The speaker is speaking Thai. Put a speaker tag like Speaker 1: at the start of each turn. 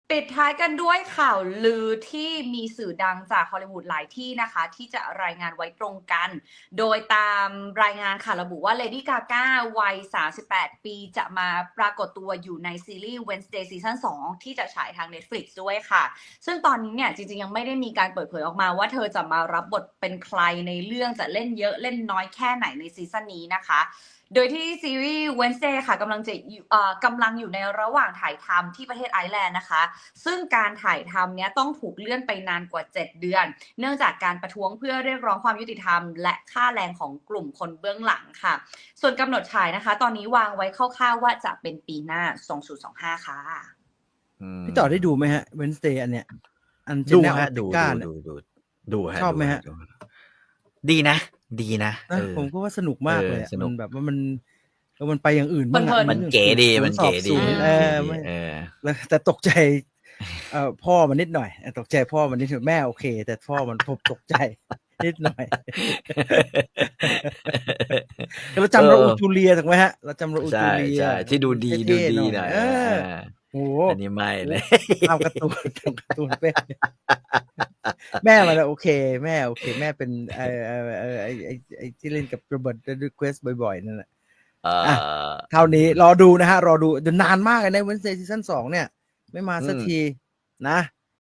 Speaker 1: ปิดท้ายกันด้วยข่าวลือที่มีสื่อดังจากฮอลลีวูดหลายที่นะคะที่จะรายงานไว้ตรงกันโดยตามรายงานค่ะระบุว่าเลดี้กาก้าวัย38 ปีจะมาปรากฏตัวอยู่ในซีรีส์ Wednesday ซีซั่น2ที่จะฉายทาง Netflix ด้วยค่ะซึ่งตอนนี้เนี่ยจริงๆยังไม่ได้มีการเปิดเผยออกมาว่าเธอจะมารับบทเป็นใครในเรื่องจะเล่นเยอะเล่นน้อยแค่ไหนในซีซั่นนี้นะคะโดยที่ซีรีส์ Wednesday ค่ะกำลังอยู่ในระหว่างถ่ายทำที่ประเทศไอร์แลนด์นะคะซึ่งการถ่ายทำเนี้ยต้องถูกเลื่อนไปนานกว่า7เดือนเนื่องจากการประท้วงเพื่อเรียกร้องความยุติธรรมและค่าแรงของกลุ่มคนเบื้องหลังค่ะส่วนกำหนดฉายนะคะตอนนี้วางไว้คร่าวๆว่าจะเป็นปีหน้า2025ค่ะ
Speaker 2: พี่ต่อได้ดูไหมฮะ Wednesday อันเนี้ยอันเจน
Speaker 3: ดู
Speaker 2: แนลอ
Speaker 3: ฮะ
Speaker 2: อ
Speaker 3: ดู
Speaker 2: ติก้า
Speaker 3: ดูฮะ
Speaker 2: ชอบไหมฮะ
Speaker 3: ดูดีนะ
Speaker 2: ผมก็ว่าสนุกมากเลย
Speaker 3: สนุก
Speaker 2: มันแบบว่ามันไปอย่างอื่นบ้าง
Speaker 1: เพลินๆ
Speaker 3: มันเก๋ดีมันเก๋ดี
Speaker 2: แล้วแต่ตกใจพ่อมันนิดหน่อยตกใจพ่อมันนิดหน่อยแม่โอเค แต่พ่อมันผมตกใจนิดหน่อยเราจำราอูจูเลียถูกไหมฮะเราจำราอูจูเลีย
Speaker 3: ใช่ที่ดูดีหน่อย
Speaker 2: โอ้
Speaker 3: อันนี้ไม่เลย
Speaker 2: ทำการ์ตูนเป็นแม่มันโอเคแม่โอเคแม่เป็นไอ้ที่เล่นกับโรเบิร์ตดูเควสบ่อยๆนั่นแหละเท่านี้รอดูนะฮะรอดูนานมากเลยใน Wednesday ซีซั่น2เนี่ยไม่มาสักทีนะ